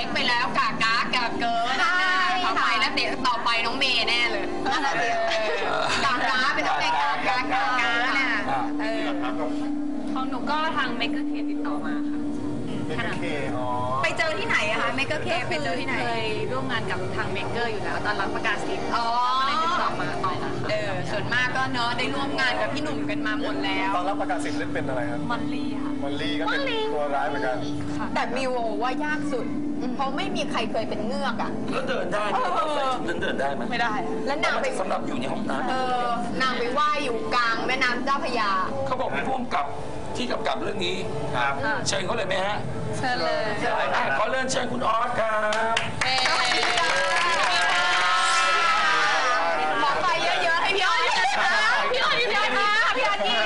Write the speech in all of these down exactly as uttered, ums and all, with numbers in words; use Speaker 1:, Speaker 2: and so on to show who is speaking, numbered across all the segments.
Speaker 1: กไปแล้วกากากาเกินนะทำไมแล้วเดี๋ยวต่อไปน้องเมย์แน่เลยกากาเป็นน้องเมย์กากากากาเนี่ย
Speaker 2: ของหนูก็ทางเมกเกอร์เคติดต่อมาค่ะ
Speaker 1: ไปเจอที่ไหนอะคะเมกเกอร์เคไปเจอที่ไหน
Speaker 2: เคยร่วมงานกับทางเมกเกอร์อยู่แล้วตอนรับประกาศสิทธิ์อ๋อเลยติดต่อมาต่อมา
Speaker 1: เออส่วนมากก็เนาะได้ร่วมงานกับพี่หนุ่มกันมาหมดแล้ว
Speaker 3: ตอนรับประกาศสิทธิ์เล่นเป็นอะไรครับ
Speaker 2: มอลลี่ค่ะ
Speaker 3: มอลลี่ก็เป็นตัวร้ายเหมือนกัน
Speaker 1: แต่มิวว่ายากสุดเพราะไม่มีใครเคยเป็นเงือกอ่ะ
Speaker 4: แล้วเดินได้ไหมนั้นเดินได้ไหม
Speaker 2: ไม่ได้
Speaker 1: แล้วนางไป
Speaker 4: สำหรับอยู่ในห้องน้ำ
Speaker 1: เออนางไปว่ายอยู่กลางแม่น้ำเจ้าพระยา
Speaker 4: เขาบอกมีผู้กำกับที่กำกับเรื่องนี้ครับเชิญเขาเลยไหมฮะ
Speaker 2: เชิญเลย
Speaker 4: ขอเริ่มเชิญคุณออสครับ
Speaker 1: ขอไปเยอะๆให้พี่ออสพี่ออสพี่ออสมาพี่ออสยิ้ม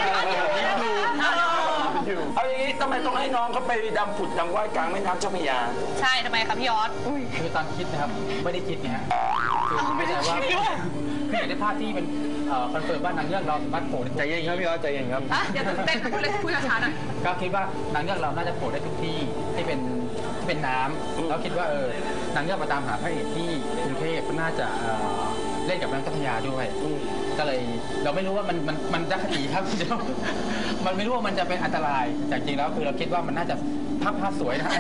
Speaker 4: เอาอย่างนี้ทำไมต้องให้น้องเขาไปดำผุดดำว่ายกลางแม่น้ำเจ้าพระยา
Speaker 2: ใช่ทำไมครับพี่ออส
Speaker 5: คือตอนคิดนะครับไม่ได้คิดไงฮะคือไม่ได้ว่าคืออยากได้ภาพที่เป็นคอนเฟิร์มว่านางเงือกเราสามารถโผล่
Speaker 3: ใจเย็นครับพี่ออสใจเย็นครับ
Speaker 2: อย่าตื่นเต้นพูดเลยพูดช้าๆหน่อย
Speaker 5: ก็คิดว่านางเงือกเราน่าจะโผล่ได้ทุกที่ที่เป็นเป็นน้ำแล้วคิดว่าเออนางเงือกมาตามหาพระเอกที่กรุงเทพก็น่าจะเล่นกับน้ำเจ้าพระยาด้วยก็เลยเราไม่รู้ว่ามันมันมันจะคติครับมันไม่รู้ว่ามันจะเป็นอันตรายแต่จริงแล้วคือเราคิดว่ามันน่าจะภาพภาพสวยนะ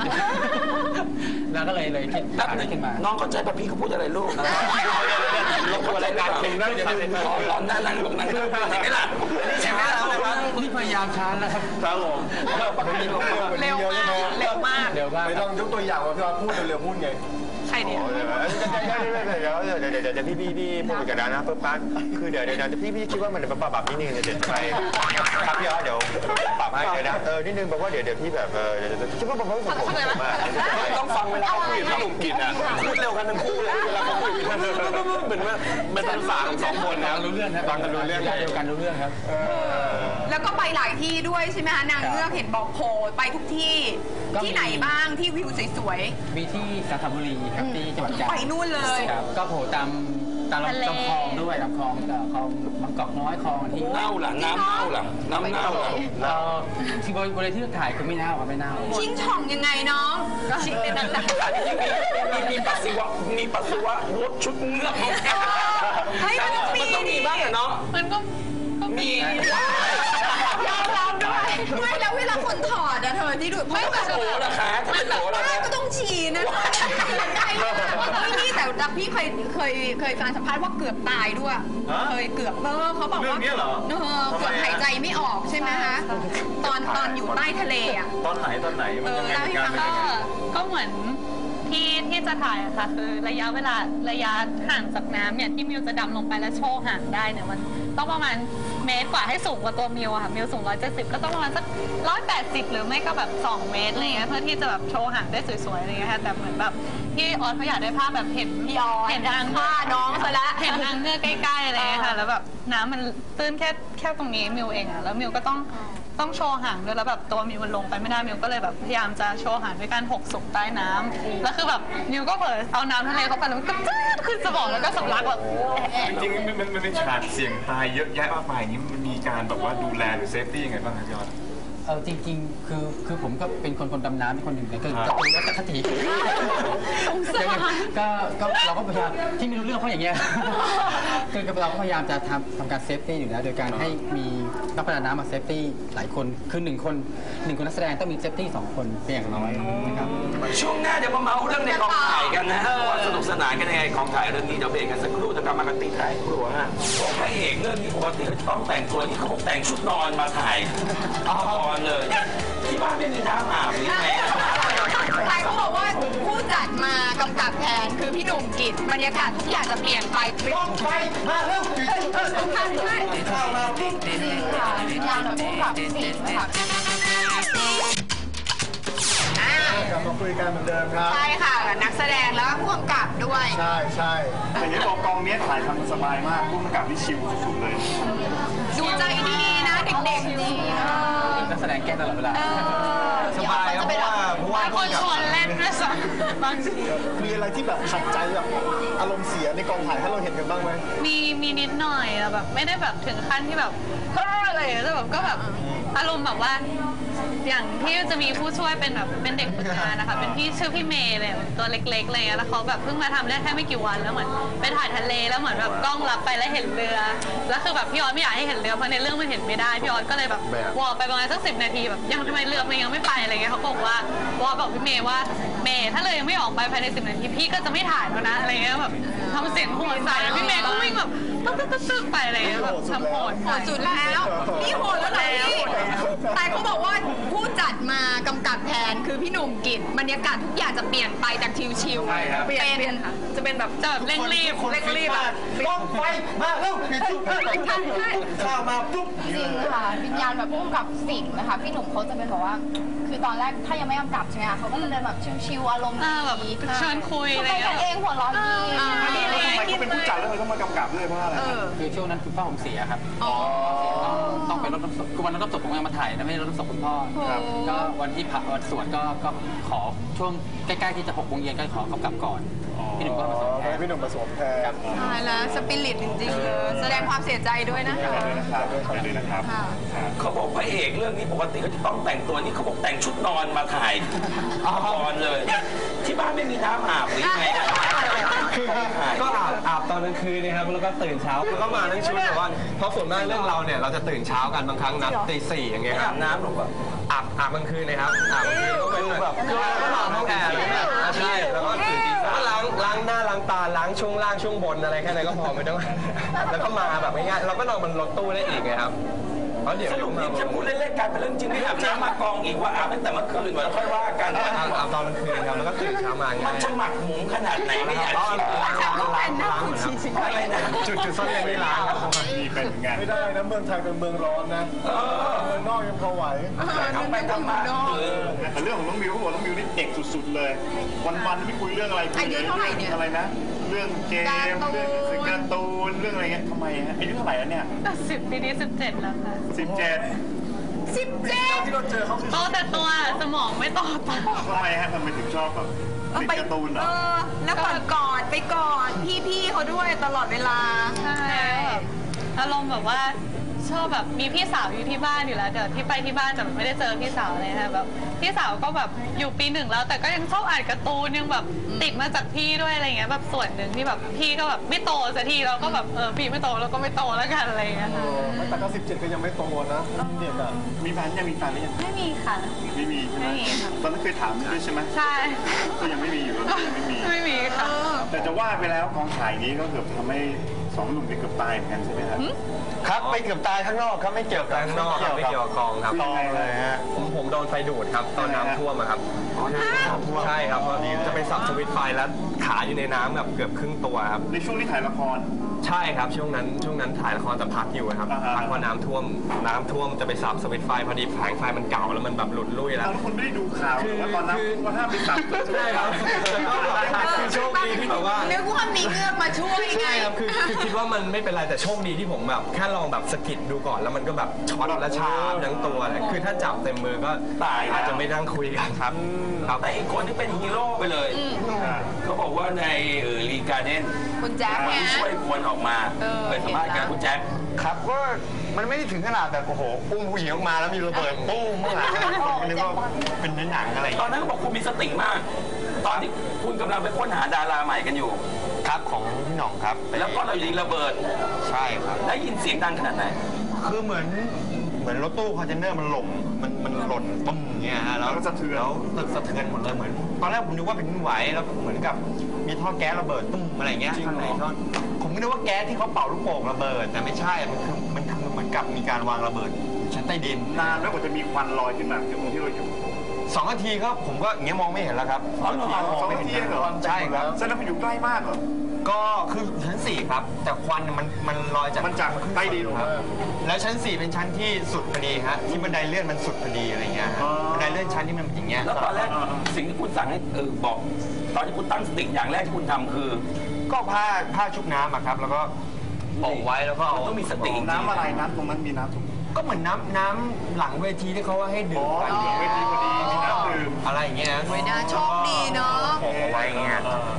Speaker 5: แล้วก็เลยเลยคิดตัดขึ้นมา
Speaker 4: น้องเข้าใจป่ะพี่เขาพูดอะไรลูกลงอะไรการเพลงนั่นจะเป็นร้อนนั่นนั่นลงนั่นใช่ไหมล่ะใช่ไหมล่ะ
Speaker 5: นี่พยายามช้าแล้วครับ
Speaker 3: ครับผม
Speaker 1: เร็วมากเร็วมาก
Speaker 5: เร็วมาก
Speaker 3: ไม่ต้องยกตัวอย่างว่าพี่ออสพูดเร็วๆพูดไง
Speaker 2: ใครเนี่ย
Speaker 3: เดี๋ยวเดี๋ยวเดี๋ยวเดี๋ยวเดี๋ยวพี่พี่พี่พูดกันนะเพิ่มปั๊บคือเดี๋ยวเดี๋ยวพี่พี่คิดว่ามันปรับปรับนิดนึงเดี๋ยวไปครับพี่ออสเดี๋ยวปรับให้เดี๋ยวนะเออนิดนึงบอกว่าเดี๋ยวเดี๋ยวพี่แบบเออคิดว่าผมไม่ผมมากต้องฟังเวลาคุยกับพี่หนุ่มกินอ่ะพูดเร็วกันทั้งคู่เลยเวลาเขาคุยกันเหมือนว่ามันเป็นฝาของสองคนนะ
Speaker 5: รู้เรื่องนะ
Speaker 3: ฟังกันรู้เรื่อง
Speaker 5: เดียวกันรู้เรื่องครับ
Speaker 1: แล้วก็ไปหลายที่ด้วยใช่ไหมคะนางเงือกเห็นบอกโผล่ไปทุกที่ที่ไหนบ้างที่วิวสวย
Speaker 5: ๆมีที่จันทบุรีครับที่จังหวัดจันทร์
Speaker 1: ไปนู่นเลย
Speaker 5: ครับก็โผล่ตามตามลำคลองด้วยลำคลองคลองบางกอกน้อยคลองที่
Speaker 4: เน่าหลังน้ำเน่าหลังน้ำเน่าหลัง
Speaker 5: ที่บริเวณที่ถ่ายคือไม่เน่าครับไม่เน่า
Speaker 1: ชิงช่องยังไงน้องชิงในนั้นแหละ
Speaker 4: มีปัสสาวะมีปัสสาวะรถชุดเงือก
Speaker 1: เฮ้ยมันต้อง
Speaker 4: มีบ้างเนาะ
Speaker 2: มันก็
Speaker 4: มี
Speaker 1: ยอมรับด้วยไม่แล้วเวลาคนถอดอะเธอที่ดู
Speaker 4: ไม่แบบโหราคาถ้าเป็นโหราคา
Speaker 1: ก็ต้องฉี่นะไม่นี่แต่พี่เคยเคยเคยฟังสัมภาษณ์ว่าเกือบตายด้วยเคยเกือบเออเขาบอกว่า
Speaker 3: เรื่องนี้เหรอ
Speaker 1: เออเกือบหายใจไม่ออกใช่ไหมคะตอนตอนอยู่ใต้ทะเลอะ
Speaker 3: ตอนไหนตอนไหนมันยังไงกัน
Speaker 2: ก็ก็เหมือนที่ที่จะถ่ายอะค่ะคือระยะเวลาระยะห่างจากน้ำเนี่ยที่มิวจะดำลงไปแล้วโชว์ห่างได้เนี่ยมันต้องประมาณเมตรกว่าให้สูงกว่าตัวมิวอะค่ะมิวสูงร้อยเจ็ดสิบก็ต้องประมาณสักร้อยแปดสิบหรือไม่ก็แบบสองเมตรอะไรเงี้ยเพื่อที่จะแบบโชว์ห่างได้สวยๆอะไรเงี้ยค่ะแต่เหมือนแบบที่ออสเขาอยากได้ภาพแบบเห็น
Speaker 1: พี่ออส
Speaker 2: เห็นนาง
Speaker 1: ผ้าน้องซะละ
Speaker 2: เห็นนางเงือกใกล้ๆอะไรเงี้ยค่ะแล้วแบบน้ำมันตื้นแค่แค่ตรงนี้มิวเองอะแล้วมิวก็ต้องต้องโชว์ห่างด้วยแล้วแบบตัวมิวมันลงไปไม่ได้มิวก็เลยแบบพยายามจะโชว์ห่างด้วยการหกศพใต้น้ำแล้วคือแบบมิวก็เผลอเอาน้ำทะเลเข้าไปแล้วมันก็จืดขึ้นสมองแล้วก็สำลักแบบ
Speaker 3: จริงๆมันมันเป็นฉากเสี่ยงตายเยอะแยะมากมายอย่างนี้มันมีการแบบว่าดูแลหรือเซฟตี้ยังไงบ้างครับพี่ออส
Speaker 5: เออจริงๆคือคือผมก็เป็นคนคนดำน้ำเป็นคนหนึ่งเลยคือจะเป็นวัตคติก็ก็เราก็พยายามที่ไม่รู้เรื่องเพราะอย่างเงี้ยคือเราก็พยายามจะทำทำการเซฟตี้อยู่แล้วโดยการให้มีนักประดาน้ำมาเซฟตี้หลายคนคือหนึ่งคนหนึ่งคนนักแสดงต้องมีเซฟตี้สองคนเป็นอย่างน้อยนะครับ
Speaker 4: ช่วงหน้าเดี๋ยวมาเมาเรื่องในกองถ่ายกันนะว่าสนุกสนานกันยังไงกองถ่ายเรื่องนี้เดี๋ยวเบรกกันสักครู่จะกลับมากันติดท้ายครัวฮะพระเอกเรื่องนี้ปกติต้องแต่งตัวที่เขาแต่งชุดนอนมาถ่ายเลยที่บ้านไม่มีท่าอาบหรือไง
Speaker 1: ใครเขาบอกว่าผู้จัดมากำกับแทนคือพี่หนุ่มกิจบรรยากาศทุกอย่างจะเปลี่ยนไป
Speaker 3: ต้องไปมาเริ่ม
Speaker 1: ต้องทำด้วยข้าวมาปุ๊บสี่ค่ะงานแบบผู้กับสี่ค่ะ
Speaker 3: กลับมาคุยกันเหมือนเดิมครับ
Speaker 1: ใช่ค่ะนักแสดงแล้วก็ผู้กำกับด้วย
Speaker 3: ใช่ใช่แต่ยังบอกกองนี้ถ่ายทำสบายมากผู้กำกับที่ชิลสุดๆเลย
Speaker 1: ดูใจดีนะเด็กๆดี
Speaker 5: นักแสดงแก้ตลอดเวลา
Speaker 3: สบายครับเพราะว่าเพราะว่า
Speaker 2: คนชวนเล่นด้วยซ้ำบางที
Speaker 3: มีอะไรที่แบบขัดใจแบบอารมณ์เสียในกองถ่ายให้เราเห็นกันบ้างไหม
Speaker 2: มีมีนิดหน่อยแบบไม่ได้แบบถึงขั้นที่แบบเฮ้ออะไรแต่แบบก็แบบอารมณ์แบบว่าอย่างที่จะมีผู้ช่วยเป็นแบบเป็นเด็กฝึกงานนะคะเป็นพี่ชื่อพี่เมย์เลยตัวเล็กๆอะไรเงี้ยแล้วเขาแบบเพิ่งมาทำได้แค่ไม่กี่วันแล้วเหมือนไปถ่ายทะเลแล้วเหมือนแบบกล้องรับไปแล้วเห็นเรือแล้วคือแบบพี่ออสไม่อยากให้เห็นเรือเพราะในเรื่องมันเห็นไม่ได้พี่ออสก็เลยแบบวอลไปประมาณสักสิบนาทีแบบยังทำไมเรือมันยังไม่ไปอะไรเงี้ยเขาบอกว่าวอลบอกพี่เมย์ว่าเมย์ถ้าเรือยังไม่ออกไปภายในสิบนาทีพี่ก็จะไม่ถ่ายแล้วนะอะไรเงี้ยแบบทำเสียงโหดใส่พี่เมย์ก็วิ่งแบบตึ๊กตึ๊กตึ๊กไปอะไรเงี้ยแบบทำโหด
Speaker 1: โหดสุดแล้วนี่โหดแล้วนะพี่แต่เขาบอกว่าผู้จัดมากำกับแทนคือพี่หนุ่มกิจบรรยากาศทุกอย่างจะเปลี่ยนไปจากชิวๆเป็นจะเป็นแบบจะแบบเร่งรีบเร่งรีบอะ
Speaker 3: ต้องไฟมาเร็วปิดทุกข้าวมาปุ๊บ
Speaker 6: จริงค่ะวิญญาณแบบพุ่งกับสิ่งนะคะพี่หนุ่มเขาจะเป็นแบบว่า คือตอนแรกถ้ายังไม่กำกับใช่ไหมคะเขาก็จะเดินแบบชิวๆอารมณ์
Speaker 2: อ่าแบบ
Speaker 6: ดี
Speaker 2: เชิญคุยอะไร
Speaker 6: ไป
Speaker 2: เงี้
Speaker 6: กัน
Speaker 2: ย
Speaker 6: เองหัวเร้อนดี
Speaker 1: อ่า
Speaker 7: ทำไมเขาเป็นผู้จัดแล้วทำไมต้องมากำกับด้วยเพราะอะไร
Speaker 1: เออ
Speaker 5: คือช่วงนั้นคุณพ่อผมเสียครับ
Speaker 1: อ๋อ
Speaker 5: ต้องไปรดน้ำศพคือวันรดน้ำศพผมยังมาถ่ายนะไม่ได้รดน้ำศพคุณพ่อ
Speaker 7: ครับ
Speaker 5: ก็วันที่ผ่าวันสวดก็ก็ขอช่วงใกล้ๆที่จะหกโมงเย็นก็ขอกำกับก่อนพี่หนุ่มก็มาสวมแทน
Speaker 7: พี่หนุ่มมาสวมแทน
Speaker 1: ตายแล้วสปิริตจริงๆเลยแสดงความเสียใจด้วยนะคะ
Speaker 7: ด้วยนะครับด้วยนะครับ
Speaker 1: ค่ะ
Speaker 4: เขาบอกพระเอกเรื่องนี้ปกติเขาจะต้องแต่งตัวนี่เขาบอกแต่งชุดนอนมาถ่ายนอนเลย ที่บ้านไม่มีน้ำอาบหรือไง
Speaker 3: ก็อาบอาบตอนกลางคืนนะครับแล้วก็ตื่นเช้าแล้วก็มาทั้งชุดแต่ว่าเพราะส่วนมากเรื่องเราเนี่ยเราจะตื่นเช้ากันบางครั้งนัดตีสี่อย่างเงี้ยค
Speaker 4: อา
Speaker 3: รับบ
Speaker 4: น้ำหรอวะ
Speaker 3: อาบอาบกลางคืนนะครับอาบกลางคืนก็เป็นแบบก็นอนห้องแอร์ใช่แล้วก็ตื่นตีสามล้างล้างหน้าล้างตาล้างช่วงล่างช่วงบนอะไรแค่นั้นก็พอไม่ต้องแล้วก็มาแบบง่ายๆเราก็นอนบนรถตู้ได้อีกไงครับเพราะเดี๋ยว
Speaker 4: สรุปนี่จะพูดเล่นๆกันเป็นเรื่องจริงไม่อาบน้ำมากองอีกว่าอาบตั้งแต่เมื่อคืนมาแล้วค่อยว่ากัน
Speaker 3: อาบอาบตอนกลางคืนครับแล้วก็ตื่นเช้ามา
Speaker 4: มั
Speaker 3: ง่าน ย
Speaker 4: จะหมักหมมขนาดไหนไม่อยาก
Speaker 3: ล้าง
Speaker 4: คิด
Speaker 3: ล้างล้างล้างล้างครับ
Speaker 4: อะไรนะ
Speaker 3: จุดจุดซ่อนเร้นไม่ล้างครับ
Speaker 7: มีเป็นไงไม่ได้นะเมืองไทยเป็นเมืองร้อนนะเมืองนอกยังพอไหว
Speaker 4: ทำไปทำมาเออ
Speaker 7: แต่เรื่องของน้องมิวเขาบอกน้องมิวนี่เด็กสุดๆเลย วันๆไม่คุยเรื่องอะไรคุ
Speaker 1: อายุเท่าไหร่เนี่ย
Speaker 7: อะไรนะ เรื่องเกม
Speaker 1: การ์ตูน
Speaker 7: เรื่องการ์ตูนเรื่องอะไรเงี้ยทำไมฮะอายุเท่าไหร่แล้วเนี่ย
Speaker 2: สิบปีนี้สิบเจ็ดแล้วค่ะ
Speaker 7: สิบเจ็ด
Speaker 1: สิบเจ็ด
Speaker 7: ที่เราเจอเขาคือ
Speaker 2: โตแต่ตัวสมองไม่โตตาม
Speaker 7: ทำไมฮะทำไมถึงชอบแบบติดการ์ตูนเหร
Speaker 1: เอ
Speaker 7: อ
Speaker 1: อ แล้วกอดกอดไปกอดพี่ๆเขาด้วยตลอดเวลา
Speaker 2: ใช่แบบอารมณ์แบบว่าชอบแบบมีพี่สาวอยู่ที่บ้านอยู่แล้วเดี๋ยวที่ไปที่บ้านแต่ไม่ได้เจอพี่สาวเลยค่ะแบบพี่สาวก็แบบอยู่ปีหนึ่งแล้ว แต่ก็ยังชอบอ่านการ์ตูนยังแบบติดมาจากพี่ด้วยอะไรเงี้ยแบบส่วนหนึ่งที่แบบพี่ก็แบบไม่โตสักทีเราก็แบบเออพี่ไม่โตเราก็ไม่โตแล้วกันอะไรเงี้ยค่ะ
Speaker 7: แต่ก็สิบเจ็ดก็ยังไม่โตนะเด็กอ่ะมีแฟนยังมีแฟนหรือยัง
Speaker 2: ไม่มีค่ะ
Speaker 7: ไม่มีใช่ไหม
Speaker 2: ไม่มีค่ะ
Speaker 7: ตอนนั้นเคยถามด้วยใช่ไหม
Speaker 2: ใช่
Speaker 7: ก็ยังไม่มีอยู่ก็ยังไม่มี
Speaker 2: ไม่มีค่ะ
Speaker 7: แต่จะว่าไปแล้วกองถ่ายนี้ก็เกือบทำให้สองหนุ่มไปเกือบตายเหมือนกันใช่ไหมครับ
Speaker 3: ครับไปเกือบตายข้างนอกครับไม่เกี่ยวกับข้างนอกครับไม่เกี่ยวกับกองครับ
Speaker 7: กองเลยฮะ
Speaker 3: ผมผมโดนไฟดูดครับตอนน้ำท่วมอะครับใช่ครับพอดีจะไปสับสวิตช์ไฟแล้วขาอยู่ในน้ำแบบเกือบครึ่งตัวครับ
Speaker 7: ในช่วงที่ถ่ายละคร
Speaker 3: ใช่ครับช่วงนั้นช่วงนั้นถ่ายละครแต่พักอยู่ครับ
Speaker 7: อ่าฮะ
Speaker 3: พักเพราะน้ำท่วมน้ำท่วมจะไปสับสวิตช์ไฟพอดีแผงไฟมันเก่าแล้วมันแบบหลุดลุ่ยแล้ว
Speaker 7: เราทุกคนไม่ได้ดูข่าวหรือว่าตอนนั้น
Speaker 3: คือ
Speaker 7: ว่าห้ามไปสับ
Speaker 3: ใช่ครับคือโชคดีที่แบบว่า
Speaker 1: นึกว่ามีเงือกมาช่วยไง
Speaker 3: ใช่ครับคือคือคิดว่ามันไม่เป็นไรแต่โชคดีที่ผมแบบแค่ลองแบบสะกิดดูก่อนแล้วมันก็แบบช็อตและชาทั้งตัวเลยคือถ้าจับเต็มมือก็
Speaker 4: ตายแล้ว
Speaker 3: อาจจะไม่นั่งคุยกันครับครับ
Speaker 4: แต่อีกคนที่เป็นฮีโร่ไปเลยเขาบอกว่าในเออรีการ์เด้น
Speaker 1: คุณแจ๊คเนี่ย
Speaker 4: ช่วยคนออกมา
Speaker 1: เออ
Speaker 4: เป็นสัมภาษณ์กับคุณแจ็ค
Speaker 3: ครับก็มันไม่ได้ถึงขนาดแบบโอ้โหอุ้มผู้หญิงออกมาแล้วมีระเบิดปุ้มข้างหลังมันนึกว่าเป็นหนังอะไร
Speaker 4: ตอนนั้นเขาบอกคุณมีสติมาก ตอนที่คุณกำลังไปค้นหาดาราใหม่กันอยู่
Speaker 3: ครับของพี่หน่องครับ
Speaker 4: แล้วก็เราอยู่ดีระเบิด
Speaker 3: ใช่ครับ
Speaker 4: ได้ยินเสียงดังขนาดไหน
Speaker 3: คือเหมือนเหมือนรถตู้คอนเทนเนอร์มันหล่มมันมันหล่นปุ้งอย่างเงี้ยฮะแล้ว
Speaker 7: แล้วก็สะเทือน
Speaker 3: แล้วตึกสะเทือนหมดเลยเหมือนตอนแรกผมนึกว่าเป็นดินไหวแล้วเหมือนกับมีท่อแก๊สระเบิดตุ้มอะไรเงี้ยข้างในก็ผมก็นึกว่าแก๊สที่เขาเป่าลูกโป่งระเบิดแต่ไม่ใช่มันคือมันคือเหมือนกับมีการวางระเบิดชั้นใต้ดิน
Speaker 7: นานแล้วกว่าจะมีควันลอยขึ้นมาจากตรงที่เราอยู่
Speaker 3: สองนาทีครับผมก็อย่างเงี้ยมองไม่เห็นแล้วครับ
Speaker 7: อ๋อเหรอสองนาทีเหรอ
Speaker 3: ใช่ครับ
Speaker 7: แสดงว่าอยู่ใกล้มากเหรอ
Speaker 3: ก็คือชั้นสี่ครับแต่ควันมันมันลอยจาก
Speaker 7: มันจากใต้ดิน
Speaker 3: ครับแล้วชั้นสี่เป็นชั้นที่สุดพอดีฮะที่บันไดเลื่อนมันสุดพอดีอะไรเงี้ยฮะบันไดเลื่อนชั้นที่มันเป็นอย่างเงี้ย
Speaker 4: แล้วตอนแรกสิ่งที่คุณสั่งให้เออบอก ตอนที่คุณตั้งสติอย่างแรกที่คุณทำคือ
Speaker 3: ก็ผ้าผ้าชุบน้ำอะครับ แล้วก็โปะไว้แล้วก็เอา
Speaker 4: มันต้องมีสติ
Speaker 7: น้ำอะไรน้ำตรงนั้นมีน้ำถูก
Speaker 3: ก็เหมือนน้ำน้ำหลังเวทีที่เขาว่าให้ดื่
Speaker 7: อ๋
Speaker 3: ม
Speaker 7: อ
Speaker 3: กัน
Speaker 7: อยู่เวทีพอดีมีน้ำดื่ม
Speaker 3: อะไรอย่างเงี้ย
Speaker 1: โอ้ยน่าโชคดีเนอะ
Speaker 3: โปะเอาไว้อย่างเงี้ย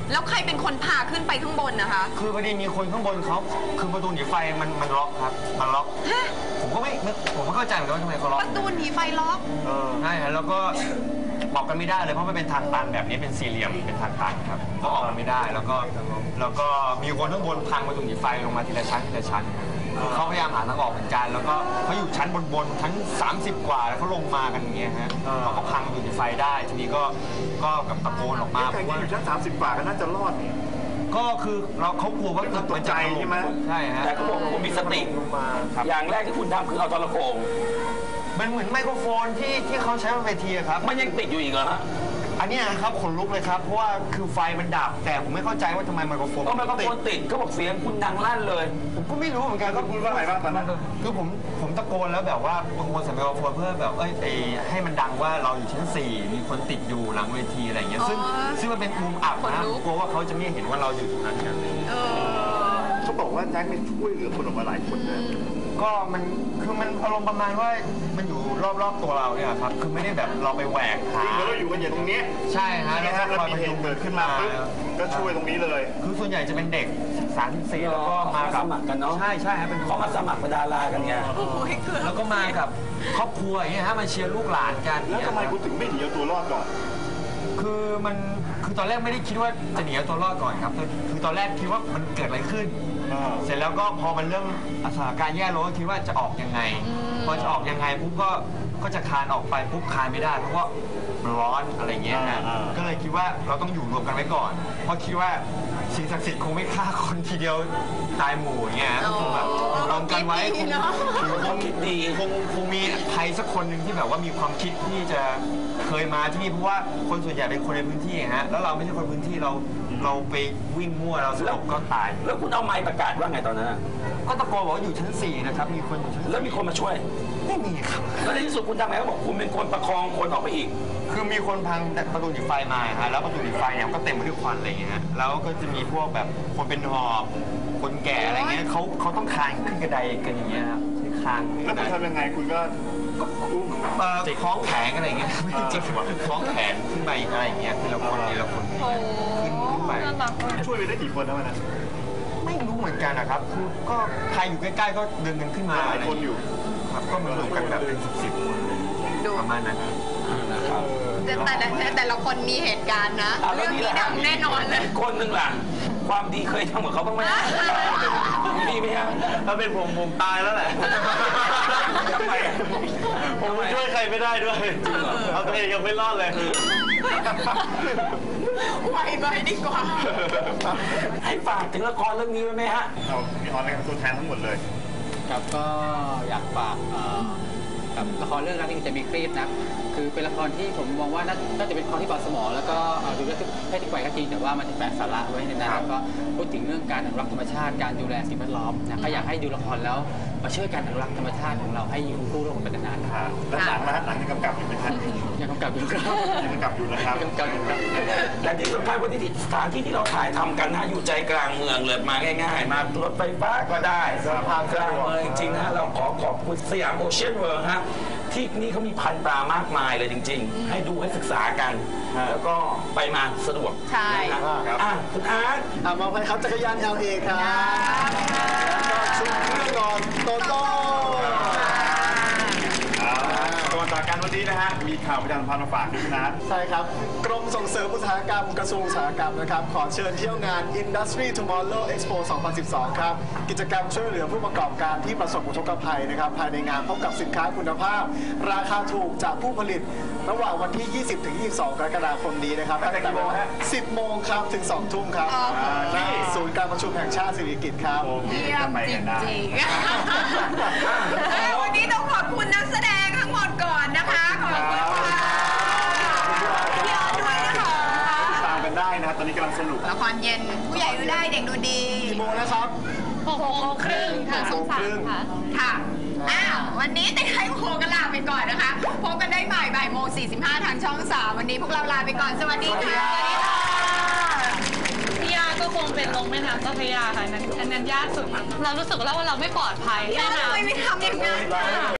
Speaker 1: แล้วใครเป็นคนพาขึ้นไปข้างบนนะคะ
Speaker 3: คือพอดีมีคนข้างบนเขาคือประตูหนีไฟมันมันล็อกครับมันล็อกผมก็ไม่ผมไม่เข้าใจเหมือนกันว่าทำไมเขาล็อก
Speaker 1: ประตูหนีไฟล็อก
Speaker 3: เออใช่ฮะแล้วก็บอกกันไม่ได้เลยเพราะมันเป็นทางตันแบบนี้เป็นสี่เหลี่ยมเป็นทางตันครับก็ออกกันไม่ได้แล้วก็แล้วก็มีคนข้างบนพังประตูหนีไฟลงมาทีละชั้นทีละชั้นคือเขาพยายามหาทางออกเหมือนกันแล้วก็เขาอยู่ชั้นบนๆชั้นสามสิบกว่าแล้วเขาลงมากันอย่างเงี้ยฮะเขาก็พังประตูหนีไฟได้ทีนี้ก็ก็กับตะโกนออกมา
Speaker 7: แต่
Speaker 3: เพราะ
Speaker 7: ที่
Speaker 3: ว่า
Speaker 7: อยู่ชั้นสามสิบกว่าก็น่าจะรอดนี่
Speaker 3: ก็คือเราเขากลัวว่าตึกมันจะถล่
Speaker 7: ใช่ไหม
Speaker 3: ใช่ฮะ
Speaker 4: แต่เขาบอกคุณมีสติ
Speaker 3: ลงมาครับ
Speaker 4: อย่างแรกที่คุณทำคือเอาโทรโขง
Speaker 3: มันเหมือนไมโครโฟนที่ที่เขาใช้บนเวทีอะครับ
Speaker 4: มันยังติดอยู่อีกเหรอฮะ
Speaker 3: อันเนี้ยนะครับขนลุกเลยครับเพราะว่าคือไฟมันดับแต่ผมไม่เข้าใจว่าทำไมไมโครโฟน
Speaker 4: ก็ไมโครโฟนติดเขาบอกเสียงคุณดังลั่นเลย
Speaker 3: ผมก็ไม่รู้เหมือนกัน
Speaker 7: ก็พูดว่าอะไรบ้างตอนนั้น
Speaker 3: คือผมผมตะโกนแล้วแบบว่าตะโกนใส่ไมโครโฟนเพื่อแบบเอ้ยไอให้มันดังว่าเราอยู่ชั้นสี่มีคนติดอยู่หลังเวทีอะไรอย่างเงี้ยซึ่ง
Speaker 1: อ๋อ
Speaker 3: ซึ่งมันเป็นมุมอับ
Speaker 1: ขน
Speaker 3: นะ
Speaker 1: ลุก
Speaker 3: กลัวว่าเขาจะไม่เห็นว่าเราอยู่ตรงนั้นกัน
Speaker 1: เออ
Speaker 7: เขาบอกว่าแจ็คไม่ช่วยเหลือคนออกมาหลายคนเลย
Speaker 3: ก็มันคือมันอารมณ์ประมาณว่ามันอยู่รอบๆตัวเราเนี่ยครับคือไม่ได้แบบเราไปแหวกหา
Speaker 7: จริงแล้วเราอยู่กันอย่างตรงนี้
Speaker 3: ใช่ฮะ
Speaker 7: นี่
Speaker 3: แล้ว
Speaker 7: ฮะ
Speaker 3: ก็
Speaker 7: แล้ว
Speaker 3: คอย
Speaker 7: มี
Speaker 3: พ
Speaker 7: เห
Speaker 3: ยุง
Speaker 7: ตุเกิดขึ้นมาปุ๊บก็ช่วยตรงนี้เลย
Speaker 3: คือส่วนใหญ่จะเป็นเด็กศึกษาที่สี่แล้วก็มา
Speaker 4: ส
Speaker 3: กับ
Speaker 4: มัครกันเนาะ
Speaker 3: ใช่ใช่ฮะเป็น
Speaker 4: เขามาสมัครเป็นดารากันไง
Speaker 1: โอ้ยเกือบ
Speaker 3: แล้วก็มากับครอบครัวอย่างเงี้ยฮะมาเชียร์ลูกหลานกัน
Speaker 7: แล้วทำไมคุณถึงไม่หนีเอาตัวรอดก่อน
Speaker 3: คือมันคือตอนแรกไม่ได้คิดว่าจะหนีเอาตัวรอดก่อนครับคือคือตอนแรกคิดว่ามันเกิดอะไรขึ้น เสร็จแล้วก็พอมันเริ่มสถานการณ์แย่ลงก็คิดว่าจะออกยังไง พอจะออกยังไงปุ๊บก็ก็จะคานออกไปปุ๊บคานไม่ได้เพราะว่ามันร้อนอะไรเงี้ยฮะ
Speaker 7: อ่า
Speaker 3: ก็เลยคิดว่าเราต้องอยู่รวมกันไว้ก่อน เพราะคิดว่าสิ่งศักดิ์สิทธิ์คงไม่ฆ่าคนทีเดียวตายหมู่อย่างเงี้ยฮะคงแบบรวมกันไว้คงคงดีคงคงมีใครสักคนหนึ่งที่แบบว่ามีความคิดที่จะเคยมาที่นี่เพราะว่าคนส่วนใหญ่เป็นคนในพื้นที่ฮะแล้วเราไม่ใช่คนพื้นที่เราเราไปวิ่งมั่วเราสลบก็ตาย
Speaker 4: แล้วคุณเอาไมค์ประกาศว่าไงตอนนั้นอะ
Speaker 3: ก็ตะโกนบอกว่าอยู่ชั้นสี่นะครับ มีคนอยู่ชั้น
Speaker 4: แล้วมีคนมาช่วย
Speaker 3: ไม่มีครับ
Speaker 4: แล้วในที่สุดคุณทำไงเขาบอกคุณเป็นคนประคองคนออกไปอีก
Speaker 3: คือมีคนพังประตูหนีไฟมาฮะ แล้วประตูหนีไฟเนี่ยก็เต็มไปด้วยควันอะไรอย่างเงี้ยฮะ แล้วก็จะมีพวกแบบคนเป็นหอบ คนแก่อะไรเงี้ยเขาเขาต้องคลานขึ้นกระไดกันอย่างเงี้ยครับคลานขึ้น
Speaker 7: แล้ว
Speaker 3: ก
Speaker 7: คุ
Speaker 3: ระ
Speaker 7: ณ
Speaker 3: ได
Speaker 7: ทำยังไงคุณก็อุ้ม
Speaker 3: เอ่อคล้องแขนอะไรอย่างเงี้ยไม่จริงๆคล้องแขนขึ้นไปอะไรอย่างเงี้ยทีละคนทีละคนขึ้นขึ้นไป
Speaker 2: น่ารักมาก
Speaker 7: ช่วยไปได้กี่คนนะวันนั้น
Speaker 3: ไม่รู้เหมือนกันนะครับ คือก็ใครอยู่ใกล้ๆก็ดึงกันขึ้นมา
Speaker 7: หลายคนอยู่
Speaker 3: ครับก็มารวมกันแบบเป็นสิบๆคน
Speaker 1: ดู
Speaker 3: ประมาณนั้น
Speaker 1: แต่แต่ละแต่ละคนมีเหตุการณ์นะ
Speaker 4: อ่ะ
Speaker 1: เรื่อง
Speaker 4: แล้วนี่
Speaker 1: นี้
Speaker 4: แหละ
Speaker 1: ดังแน่นอนเลย
Speaker 4: คนหนึ่งล่ะ ความดีเคยทำกับเขาบ้างไหมมีไหมฮะ
Speaker 3: ถ้าเป็นผมผมตายแล้วแหละ
Speaker 4: ทำไมอะ
Speaker 3: ผมช่วยใครไม่ได้ด้วย เอาตัวเองยังไม่รอดเลย
Speaker 1: ไวไปดีกว่า
Speaker 4: ให้ฝากถึงละครเรื่องนี้ไว้ไหมฮะ
Speaker 7: เอามีออนไลน์กับตัวแทนทั้งหมดเลย
Speaker 5: ครับก็อยากฝากเอ่อกับละครเรื่องรักที่จะมีครีบนะคือเป็นละครที่ผมมองว่าน่าน่าจะเป็นละครที่เบาสมองแล้วก็เอ่อดูได้ทุกเพศทุกวัยก็จริงแต่ว่ามันจะแฝงสาระไว้ในนั้นแล้วก็พูดถึงเรื่องการอนุรักษ์ธรรมชาติการดูแลสิ่งแวดล้อมนะก็อยากให้ดูละครแล้วมาช่วยกันอนุรักษ์ธรรมชาติของเราให้อยู่คู่โลกไปนานๆครับ
Speaker 7: แล้วหนังนะฮะหนังยังกำกับอยู่ไหมฮะ
Speaker 5: ยังกำกับอยู่ครับ
Speaker 7: ยังกำกับอยู่นะครับ
Speaker 5: ยังกำกับอยู่ครับ
Speaker 4: และที่สำคัญวันนี้ที่สถานที่ที่เราถ่ายทำกันนะอยู่ใจกลางเมืองเลยมาง่าย ๆ มารถไฟฟ้าก็ได้สะพานกลางเมืองจริงๆนะเราขอขอบคุณสยามโอเชียนเวิลด์ฮะที่นี่เขามีพันธุ์ปลามากมายเลยจริง ๆ ให้ดูให้ศึกษากัน แล้วก็ไปมาสะดวก
Speaker 1: ใช่
Speaker 4: นะครับอ่ะคุณอาร์ต
Speaker 8: อ่ะมอบให้ครับจักรยาน แอล เอ ครับแล้วก็ชุดเครื่องนอนโตโต้
Speaker 7: ก่อนจากกันวันนี้นะฮะ มีข่าวประชาสัมพันธ์มาฝากด้วยนะ
Speaker 8: ใช่ครับ กรมส่งเสริมอุตสาหกรรมกระทรวงอุตสาหกรรมนะครับ ขอเชิญเที่ยวงาน Industry Tomorrow Expo สองพันสิบสอง ครับ กิจกรรมช่วยเหลือผู้ประกอบการที่ประสบอุทกภัยนะครับ ภายในงานพบกับสินค้าคุณภาพ ราคาถูกจากผู้ผลิต ระหว่างวันที่ ยี่สิบถึงยี่สิบสอง กรกฎาคมนี้นะครับ
Speaker 7: ตั้งแต่กี่โมงฮะ
Speaker 8: สิบโมงครับถึงสองทุ่มครับ
Speaker 1: อ๋อ
Speaker 8: ที่ศูนย์การประชุมแห่งชาติสิริกิติ์ครับ
Speaker 7: โอ้มี
Speaker 1: เยี่ย
Speaker 7: จะ
Speaker 1: ม
Speaker 7: ไป
Speaker 1: จ
Speaker 7: กันได้
Speaker 1: ริงๆเอ้ยวันนี้ต้องขอบคุณนักแสดงทั้งหมดก่อนนะคะ ขอบคุณค่ะพี่ออสด้วยนะคะ
Speaker 7: ตามกันได้นะครับ ตอนนี้กำลังสนุก
Speaker 1: ละครเย็นผู้ใหญ่ดูได้เด็กดูดี
Speaker 8: กี่โมงนะครับ
Speaker 2: หกโมงครึ่งค่ะสองสามค่ะ
Speaker 1: ค่ะ อ้าว วันนี้ติดให้โคกันลาไปก่อนนะคะ พบกันได้ใหม่บ่ายโมงสี่สิบห้าทางช่องสามวันนี้พวกเราลาไปก่อน สวัสดีค่ะ
Speaker 2: พี่ยาก็คงเป็นลงแม่น้ำเจ้าพระยาค่ะอันนั้นอันนั้นยากสุด เรารู้สึกแล้วว่าเราไม่ปลอดภัย
Speaker 1: พี่ออสทำไมไม่ทำอย่างนั้นน่ะ